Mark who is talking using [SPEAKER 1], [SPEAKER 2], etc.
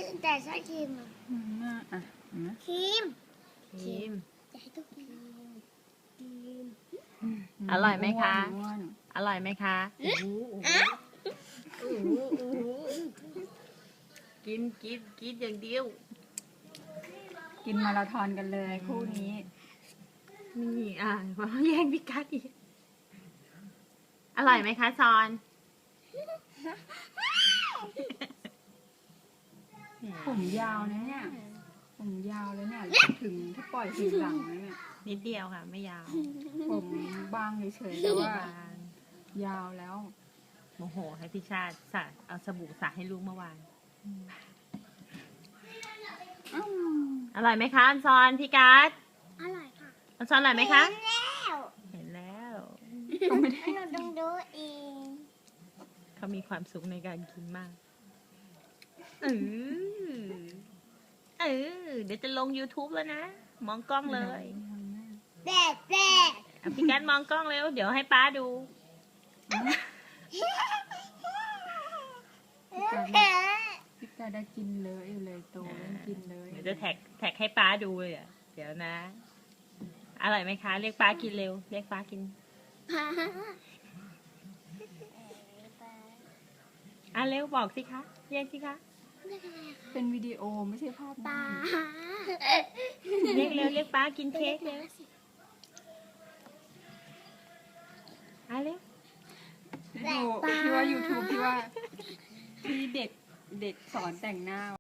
[SPEAKER 1] แต่ชอบครีมอ่ะ
[SPEAKER 2] อ่ะ
[SPEAKER 1] ครีม
[SPEAKER 3] ครีม
[SPEAKER 1] จะให้ทุกคนครีม
[SPEAKER 3] อร่อยไหมคะ
[SPEAKER 2] อ้วน
[SPEAKER 3] อร่อยไหมคะกินอย่างเดียว
[SPEAKER 2] กินมาราธอนกันเลยคู่นี้
[SPEAKER 3] นี่มาแย่งพี่กัดอีกอร่อยไหมคะซอน
[SPEAKER 2] ผมยาวนะเนี่ย ผมยาวเลยเนี่ย ถึงถ้าปล่อยถึงหลังแล้วเนี่ย
[SPEAKER 3] นิดเดียวค่ะ ไม่ยาว
[SPEAKER 2] ผมบางเฉยๆแต่ว่า
[SPEAKER 3] บาง
[SPEAKER 2] ยาวแล้ว
[SPEAKER 3] โมโหให้พี่ชาติสระเอาสบู่สระให้ลูกเมื่อวาน อร่อยไหมคะอันซอนพี่กัด
[SPEAKER 1] อร่อยค่ะ
[SPEAKER 3] อันซอนอร่อยไหมคะ
[SPEAKER 1] แล้ว
[SPEAKER 3] เห็นแล้ว
[SPEAKER 2] ก็ไม่ได้
[SPEAKER 1] เราต้องดูเอง
[SPEAKER 3] เขามีความสุขในการกินมากเดี๋ยวจะลง YouTube แล้วนะ มองกล้องเลย
[SPEAKER 1] แดด
[SPEAKER 3] พี่กัดมองกล้องเร็ว เดี๋ยวให้ป้าดู
[SPEAKER 2] พี่กาได้กินเลยอยู่เลยโตเล่นกินเลย
[SPEAKER 3] เดี๋ยวจะแท็กให้ป้าดูเลยอ่ะ เดี๋ยวนะ อร่อยไหมคะ เรียกป้ากินเร็ว เรียกป้ากิน เร็วบอกสิคะ เรียกสิคะ
[SPEAKER 2] เป็นวิดีโอไม่ใช่ภาพ
[SPEAKER 1] ปลา
[SPEAKER 3] เรียกเร็ว เรียกป้ากินเค้กเร็วเร็ว
[SPEAKER 2] ดูพี่ว่า YouTube พี่ว่าที่เด็กสอนแต่งหน้า